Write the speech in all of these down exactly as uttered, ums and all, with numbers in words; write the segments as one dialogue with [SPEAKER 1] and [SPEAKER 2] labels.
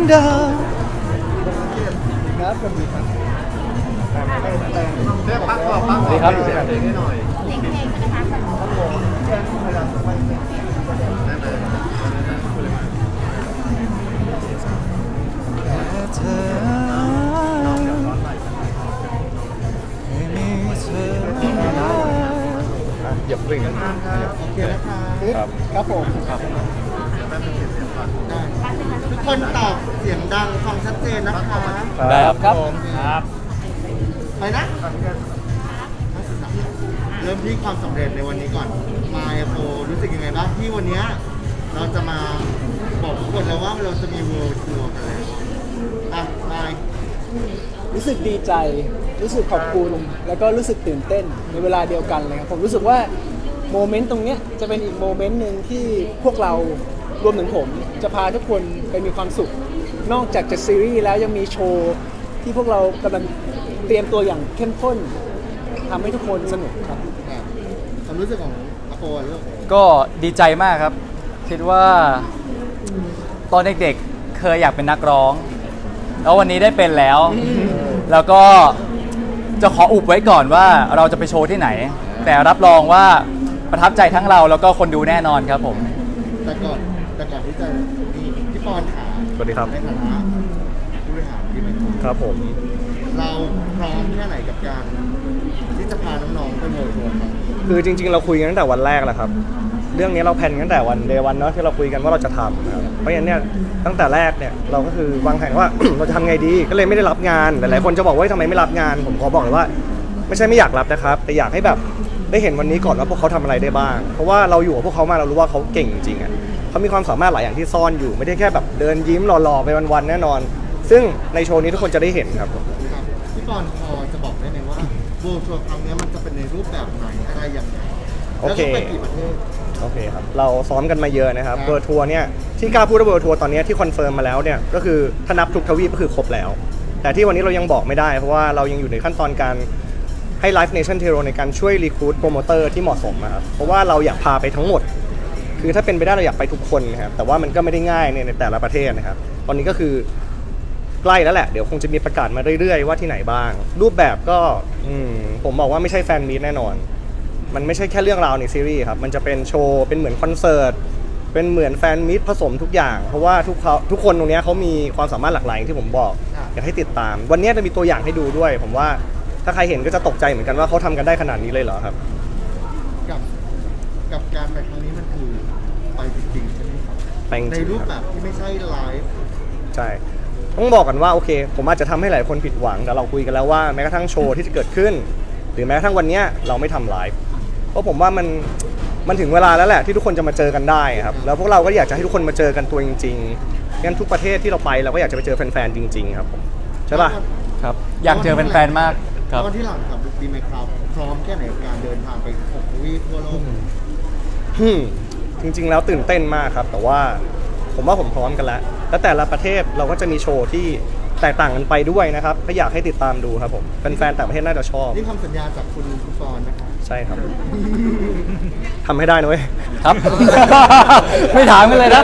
[SPEAKER 1] ดาว
[SPEAKER 2] ครับสวัสดีครับ
[SPEAKER 3] เรียกพักก่อนพักก่อน
[SPEAKER 1] ดีครับ
[SPEAKER 3] เสียงเพลงให้หน่อย
[SPEAKER 4] เสียงเพลงใช่ไหมคะ
[SPEAKER 2] ครับผมแค่พยายามจะไปเสียง
[SPEAKER 3] นั่นเลยนั่นเลยพูดเลยมา
[SPEAKER 1] เธอไม่มีเธอหยับกริ่ง
[SPEAKER 2] โอเคนะคะ
[SPEAKER 1] ครับ
[SPEAKER 2] ครับผมได้ทุกคนตอบเสียงดังฟังชัดเจนนะคะ
[SPEAKER 1] ได้ครับครับ
[SPEAKER 3] ครับ
[SPEAKER 2] ไปนะเริ่มที่ความสำเร็จในวันนี้ก่อนมายโฟรู้สึกยังไงบ้างที่วันนี้เราจะมาบอกทุกคนแล้วว่าเราจะมี World Tour กันแล้วอ่ะมาย
[SPEAKER 5] รู้สึกดีใจ รู้สึกขอบคุณ แล้วก็รู้สึกตื่นเต้นในเวลาเดียวกันเลยครับ ผมรู้สึกว่าโมเมนต์ตรงเนี้ยจะเป็นอีกโมเมนต์หนึ่งที่พวกเรารวมถึงผมจะพาทุกคนไปมีความสุข นอกจากจะซีรีส์แล้วยังมีโชว์ที่พวกเรากำลังเตรียมตัวอย่างเข้มข้นทำให้ทุกคนสนุกครับ
[SPEAKER 2] อ่ะความรู้สึกของอาโปอ่ะลูก
[SPEAKER 1] ก็ดีใจมากครับ คิดว่าตอนเด็กๆเคยอยากเป็นนักร้อง แล้ววันนี้ได้เป็นแล้ว แล้วก็จะขออุบไว้ก่อนว่าเราจะไปโชว์ที่ไหน แต่รับรองว่าประทับใจทั้งเราแล้วก็คนดูแน่นอนครับผม
[SPEAKER 2] แต่ก่อนแต่ก่อนที่จะนี่พี่ปอนถาม
[SPEAKER 6] สวัสดีครับ
[SPEAKER 2] ในฐานะผู้บริหารที่ไมโคร
[SPEAKER 6] ครับผม
[SPEAKER 2] เราพร้อมแค่ไหนกับการที่จะพาน้องๆไปโมทัวร์ครับ
[SPEAKER 6] คือจริงๆ เราคุยกันตั้งแต่วันแรกแหละครับ เรื่องนี้เราแพลนกันตั้งแต่วันเดวันเนาะที่เราคุยกันว่าเราจะทำนะครับเพราะฉะนั้นเนี่ยตั้งแต่แรกเนี่ยเราก็คือวางแผนว่า เราจะทำไงดีก็เลยไม่ได้รับงานหลายๆคนจะบอกว่าทำไมไม่รับงาน ผมขอบอกเลยว่า ไม่ใช่ไม่อยากรับนะครับ แต่อยากให้แบบได้เห็นวันนี้ก่อนว่าพวกเขาทำอะไรได้บ้าง เพราะว่าเราอยู่กับพวกเขามาเรารู้ว่าเขาเก่งจริงๆอ่ะเขามีความสามารถหลายอย่างที่ซ่อนอยู่ไม่ได้แค่แบบเดินยิ้มหล่อๆไปวันๆแน่นอน ซึ่งในโชว์นี้ทุกคนจะได้เห็นครับ
[SPEAKER 2] ครับพี่ปอนพอจะบอกได้ไหมว่าโมทัวร์ครั้งนี้มันจะเป็นในรูปแบบไหนอะไรอย่างไร
[SPEAKER 6] โอ
[SPEAKER 2] แล้ว
[SPEAKER 6] เค
[SPEAKER 2] ก็ไปกี่ประเทศ
[SPEAKER 6] โอเคครับ เราซ้อมกันมาเยอะนะครับ
[SPEAKER 2] ครับ
[SPEAKER 6] เบอร์ทัวร์เนี่ยที่กล้าพูดว่าเบอร์ทัวร์ตอนนี้ที่คอนเฟิร์มมาแล้วเนี่ยก็คือถ้านับทุกทวีปก็คือครบแล้ว แต่ที่วันนี้เรายังบอกไม่ได้เพราะว่าเรายังอยู่ในขั้นตอนการให้ Live Nation Tero ในการช่วยรีคูดโปรโมเตอร์ที่เหมาะสมนะครับเพราะว่าเราอยากพาไปทั้งหมด คือถ้าเป็นไปได้เราอยากไปทุกคนนะครับแต่ว่ามันก็ไม่ได้ง่ายในในแต่ละประเทศนะครับตอนนี้ก็คือใกล้แล้วแหละเดี๋ยวคงจะมีประกาศมาเรื่อยๆว่าที่ไหนบ้าง รูปแบบก็อืมผมบอกว่าไม่ใช่แฟนมีตแน่นอน มันไม่ใช่แค่เรื่องราวในซีรีส์ครับ มันจะเป็นโชว์ เป็นเหมือนคอนเสิร์ต เป็นเหมือนแฟนมิตรผสมทุกอย่าง เพราะว่าทุกเขาทุกคนตรงเนี้ยเขามีความสามารถหลากหลายอย่างที่ผมบอก อยากให้ติดตาม วันนี้จะมีตัวอย่างให้ดูด้วย ผมว่าถ้าใครเห็นก็จะตกใจเหมือนกันว่าเขาทำกันได้ขนาดนี้เลยเหรอครับ
[SPEAKER 2] กับกับการไปครั้งนี้มันคือไปจริงๆใช่ไหมครับ
[SPEAKER 6] ไปจริงๆ
[SPEAKER 2] ในรูปแบบที่ไม่ใช่ไลฟ์
[SPEAKER 6] ใช่ ต้องบอกกันว่าโอเค ผมอาจจะทำให้หลายคนผิดหวัง แต่เราคุยกันแล้วว่าแม้กระทั่งโชว์ที่จะเกิดขึ้น หรือแม้กระทั่งวันเนี้ยเราไม่ทำไลฟ์ เพราะผมว่ามันมันถึงเวลาแล้วแหละที่ทุกคนจะมาเจอกันได้ครับแล้วพวกเราก็อยากจะให้ทุกคนมาเจอกันตัวจริงๆงั้นทุกประเทศที่เราไปเราก็อยากจะไปเจอแฟนๆจริงๆครับผมใช่ป่ะ
[SPEAKER 1] ครับ อยากเจอแฟนๆมากครับ
[SPEAKER 2] แล้ววันที่หลังกับดีไหมครับพร้อมแค่ไหนกับการเดินทางไปหกทวีปทั่วโลก
[SPEAKER 6] ฮึมจริงๆแล้วตื่นเต้นมากครับ แต่ว่าผมว่าผมพร้อมกันแล้วแล้วแต่ละประเทศเราก็จะมีโชว์ที่แตกต่างกันไปด้วยนะครับก็อยากให้ติดตามดูครับผมแฟนๆต่างประเทศน่าจะชอบ
[SPEAKER 2] นี่คำสัญญาจากคุณคุณปอนนะครับ
[SPEAKER 6] ใช่ครับทำให้ได้นะเว้ย
[SPEAKER 1] ครับ ไม่ถามกันเลยนะ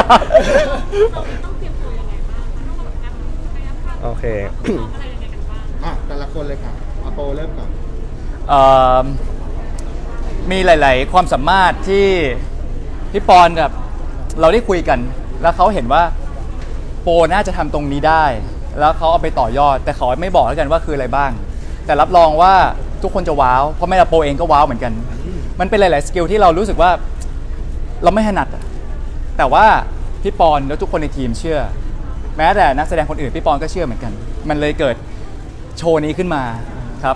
[SPEAKER 6] โอเค
[SPEAKER 2] อ่ะแต่ละคนเลยค่ะอาโปเริ่มก่อน
[SPEAKER 1] เอ่อมีหลาย ๆ ความสามารถที่พี่ปอนกับเราได้คุยกัน แล้วเขาเห็นว่าโปน่าจะทำตรงนี้ได้ แล้วเขาเอาไปต่อยอด แต่เขาไม่บอกแล้วกันว่าคืออะไรบ้าง แต่รับรองว่าทุกคนจะว้าวเพราะแม่เราโปเองก็ว้าวเหมือนกัน มันเป็นหลาย ๆ สกิลที่เรารู้สึกว่าเราไม่ถนัดอะแต่ว่าพี่ปอนแล้วทุกคนในทีมเชื่อ แม้แต่นักแสดงคนอื่นพี่ปอนก็เชื่อเหมือนกัน มันเลยเกิดโชว์นี้ขึ้นมาครับ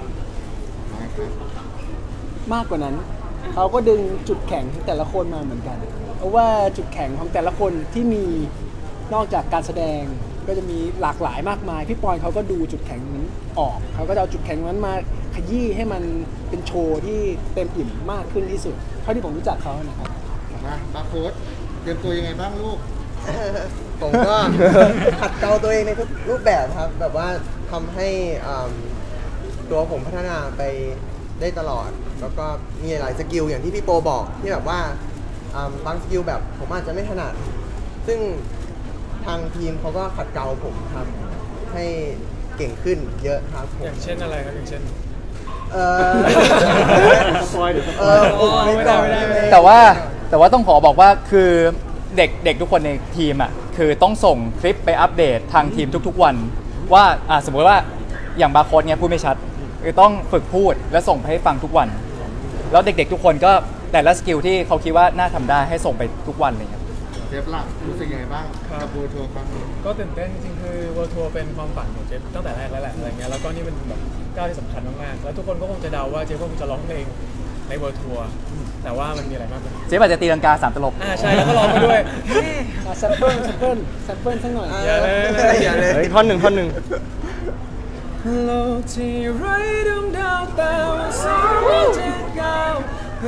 [SPEAKER 5] มากกว่านั้นเขาก็ดึงจุดแข็งของแต่ละคนมาเหมือนกัน เพราะว่าจุดแข็งของแต่ละคนที่มีนอกจากการแสดงก็จะมีหลากหลายมากมายพี่ปอนเขาก็ดูจุดแข็งนั้นออกเขาก็จะเอาจุดแข็งนั้นมาขยี้ให้มันเป็นโชว์ที่เต็มอิ่มมากขึ้นที่สุดเท่าที่ผมรู้จักเขานะครับ
[SPEAKER 2] มาบาร์โค้ดเตรียมตัวยังไงบ้างลูก
[SPEAKER 7] ผมก็ ขัดเกลาตัวเองในทุกรูปแบบครับ แบบว่าทำให้อ่ำตัวผมพัฒนาไปได้ตลอด แล้วก็มีหลายสกิลอย่างที่พี่โปบอกที่แบบว่าอ่ำบางสกิลแบบผมอาจจะไม่ถนัดซึ่งทางทีมเขาก็ขัดเกลาผมครับ ให้เก่งขึ้นเยอะครับผม
[SPEAKER 5] อย่างเช่นอะไรครับอย่างเช่น
[SPEAKER 7] เออ
[SPEAKER 6] สปอยเดี๋ยวสป
[SPEAKER 7] เอ
[SPEAKER 6] อย
[SPEAKER 7] อผมไม่ได้ไม่ได้
[SPEAKER 1] แต่ว่าแต่ว่าต้องขอบอกว่าคือเด็กเด็กทุกคนในทีมอ่ะคือต้องส่งคลิปไปอัปเดตทางทีมทุกๆวัน ว่าอ่ะสมมติว่าอย่างบาร์โค้ดเนี้ยพูดไม่ชัดคือต้องฝึกพูดและส่งไปให้ฟังทุกวัน แล้วเด็กๆทุกคนก็แต่ละสกิลที่เขาคิดว่าน่าทำได้ให้ส่งไปทุกวันเลยครับ
[SPEAKER 2] เจฟล่ะรู้สึกยังไงบ้าง
[SPEAKER 5] ครับ
[SPEAKER 2] กับโบทัวร์ครั้งนี้
[SPEAKER 5] ก็ตื่นเต้นจริงๆคือ World Tour เป็นความฝันของเจฟตั้งแต่แรกแล้วแหละอะไรเงี้ยแล้วก็นี่เป็นแบบก้าวที่สำคัญมากๆแล้วทุกคนก็คงจะเดาว่าเจฟก็คงจะร้องเพลงใน World Tour แต่ว่ามันมีอะไรมากกว่า
[SPEAKER 1] เจ๊อาจจะตีลังกาสามตลบ
[SPEAKER 5] อ่าใช่แล้วก็ร้องไปด้วย
[SPEAKER 4] แซมเปิลแซมเปิลแซมเปิลสักหน่อย
[SPEAKER 5] อย่าเลย
[SPEAKER 7] อย่าเลย
[SPEAKER 6] เฮ้ยท่อนหนึ่งท่อนหนึ่ง
[SPEAKER 5] โลกที่ไร้ดวงดาวแต่ว่าสิ่งที่จะก้าวไป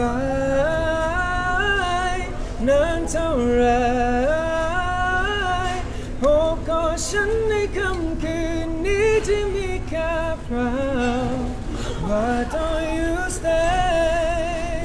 [SPEAKER 5] นานเท่าไรโอบกอดฉันในค่ำคืนนี้ที่มีแค่เรา Why don't you stay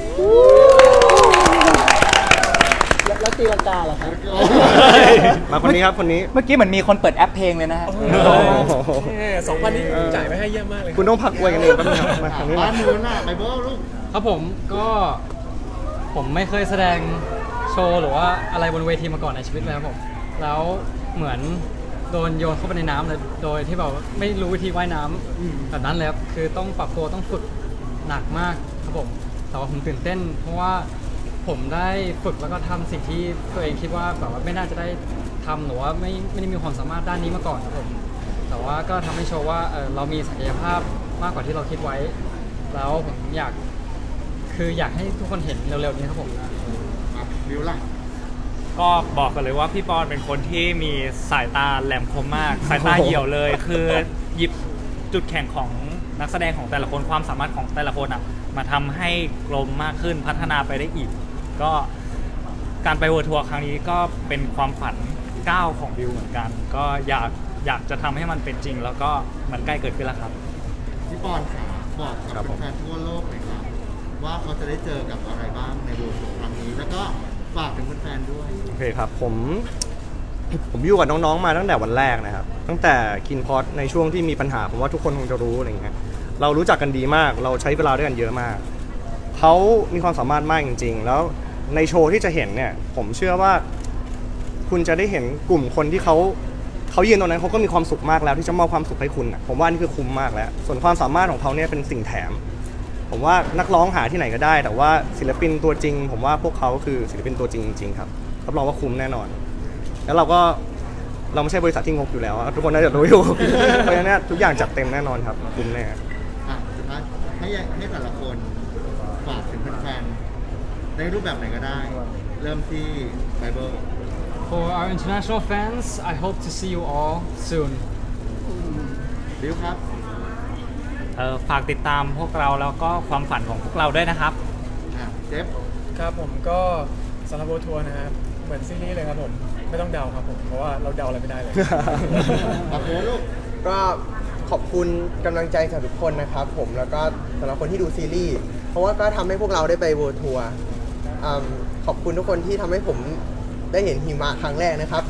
[SPEAKER 4] แล้วแล้วตีลังกาเหรอครับ
[SPEAKER 6] มาคนนี้ครับคนนี้
[SPEAKER 1] เมื่อกี้เหมือนมีคนเปิดแอปเพลงเลยนะฮะ
[SPEAKER 5] สองพันนี้จ่ายไปให้เยี่ยมมากเลย
[SPEAKER 6] คุณต้องพักอวยกันเองแป๊บนึงครับมาทางนี้
[SPEAKER 2] บ้า
[SPEAKER 6] มา
[SPEAKER 2] นนู้นน่ะไปเบิร์ลูก
[SPEAKER 8] ครับผมก็ผมไม่เคยแสดงโชว์หรือว่าอะไรบนเวทีมาก่อนในชีวิตเลยครับผมแล้วเหมือนโดนโยนเข้าไปในน้ำเลยโดยที่แบบว่าไม่รู้วิธีว่ายน้ำแบบนั้นเลยครับคือต้องปรับตัวต้องฝึกหนักมากครับผมแต่ว่าผมตื่นเต้น เพราะว่าผมได้ฝึกแล้วก็ทำสิ่งที่ตัวเองคิดว่าแบบว่าไม่น่าจะได้ทำหรือว่าไม่ไม่ได้มีความสามารถด้านนี้มาก่อนครับผมแต่ว่าก็ทำให้โชว์ว่าเออเรามีศักยภาพมากกว่าที่เราคิดไว้ แล้วผมอยากคืออยากให้ทุกคนเห็นเร็วๆนี้ครับผม
[SPEAKER 2] อ่ะวิวล่ะ
[SPEAKER 9] ก็บอกกันเลยว่าพี่ปอนเป็นคนที่มีสายตาแหลมคมมาก สายตาเหี่ยวเลย คือหยิบจุดแข็งของนักแสดงของแต่ละคนความสามารถของแต่ละคนอ่ะมาทำให้กลมมากขึ้นพัฒนาไปได้อีก ก็การไปเวิร์ทัวร์ครั้งนี้ก็เป็นความฝันก้าวของบิวเหมือนกัน ก็อยากอยากจะทำให้มันเป็นจริง แล้วก็มันใกล้เกิดขึ้นแล้วครับ
[SPEAKER 2] พี่ปอนค่ะบอก
[SPEAKER 6] ครั
[SPEAKER 2] กั
[SPEAKER 6] บบ ผม
[SPEAKER 2] แฟนๆทั่วโลกหน่อยครับว่าเขาจะได้เจอกับอะไรบ้างในโบทัวร์ครั้งนี้ แล้วก็ฝากถึงแฟนๆด้วย
[SPEAKER 6] โอเคครับผมผมอยู่กับน้องๆมาตั้งแต่วันแรกนะครับ ตั้งแต่คินพอดในช่วงที่มีปัญหาผมว่าทุกคนคงจะรู้อะไรเงี้ยเรารู้จักกันดีมาก เราใช้เวลาด้วยกันเยอะมากเขามีความสามารถมากจริงๆ แล้วในโชว์ที่จะเห็นเนี่ยผมเชื่อว่าคุณจะได้เห็นกลุ่มคนที่เขาเขายืนตรงนั้นเขาก็มีความสุขมากแล้วที่จะมอบความสุขให้คุณนะผมว่านี่คือคุ้มมากแล้ว ส่วนความสามารถของเขาเนี่ยเป็นสิ่งแถม ผมว่านักร้องหาที่ไหนก็ได้ แต่ว่าศิลปินตัวจริง ผมว่าพวกเขาคือศิลปินตัวจริงจริงๆครับรับรองว่าคุ้มแน่นอน แล้วเราก็เราไม่ใช่บริษัทที่งกอยู่แล้วทุกคนน่าจะรู้อยู่ เพราะฉะนั้นทุกอย่างจัดเต็มแน่นอนครับคุ้มแน่
[SPEAKER 2] อ่ะสุดท้ายให้ให้แต่ละคนฝากถึงแฟนๆในรูปแบบไหนก็ได้ เริ่มที่ไบเบิล
[SPEAKER 8] For our international fans I hope to see you all soon
[SPEAKER 2] บิวครับ
[SPEAKER 9] เออฝากติดตามพวกเราแล้วก็ความฝันของพวกเราด้วยนะครับ
[SPEAKER 2] อ่ะเจฟ
[SPEAKER 5] ครับผมก็สำหรับ World Tour นะครับเหมือนซีรีส์เลยครับผมไม่ต้องเดาครับผมเพราะว่าเราเดาอะไรไม่ได้เลย
[SPEAKER 2] ปากโค้ลูก
[SPEAKER 7] ก็ขอบคุณกำลังใจจากทุกคนนะครับผมแล้วก็สำหรับคนที่ดูซีรีส์เพราะว่าก็ทำให้พวกเราได้ไปเวิลด์ทัวร์อืมขอบคุณทุกคนที่ทำให้ผมได้เห็นหิมะครั้งแรกนะครับ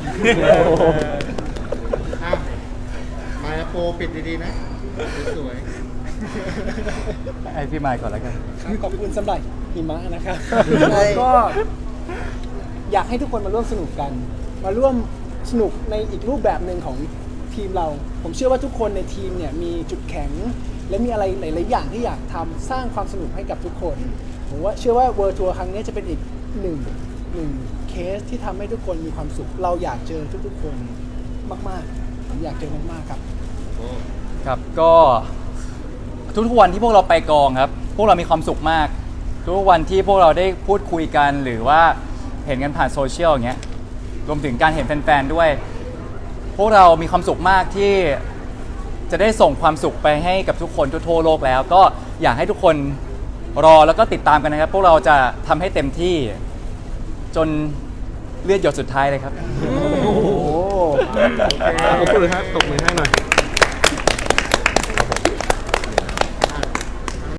[SPEAKER 2] อ่ะมาโปรปิดดีๆนะ สวย
[SPEAKER 1] ไอพี่มายก่อนแล้วกัน
[SPEAKER 4] ขอบคุณสำหรับหิมะนะครับ
[SPEAKER 7] ใช่
[SPEAKER 4] ก็อยากให้ทุกคนมาร่วมสนุกกัน มาร่วมสนุกในอีกรูปแบบหนึ่งของทีมเรา ผมเชื่อว่าทุกคนในทีมเนี่ยมีจุดแข็ง และมีอะไรหลายๆอย่างที่อยากทำสร้างความสนุกให้กับทุกคน ผมว่าเชื่อว่า World Tour ครั้งนี้จะเป็นอีกหนึ่งหนึ่งเคสที่ทำให้ทุกคนมีความสุข เราอยากเจอทุกๆคนมากๆผมอยากเจอมากๆครับ
[SPEAKER 2] ๆโอ้
[SPEAKER 1] ครับก็ทุกๆวันที่พวกเราไปกองครับ พวกเรามีความสุขมาก ทุกวันที่พวกเราได้พูดคุยกันหรือว่าเห็นกันผ่านโซเชียลอย่างเงี้ยรวมถึงการเห็นแฟนๆด้วย พวกเรามีความสุขมากที่จะได้ส่งความสุขไปให้กับทุกคนทั่วโลกแล้ว ก็อยากให้ทุกคนรอแล้วก็ติดตามกันนะครับ พวกเราจะทำให้เต็มที่จนเลือดหยดสุดท้ายเลยครับ
[SPEAKER 6] โอ้โหตบมือครับตบมือให้หน่อย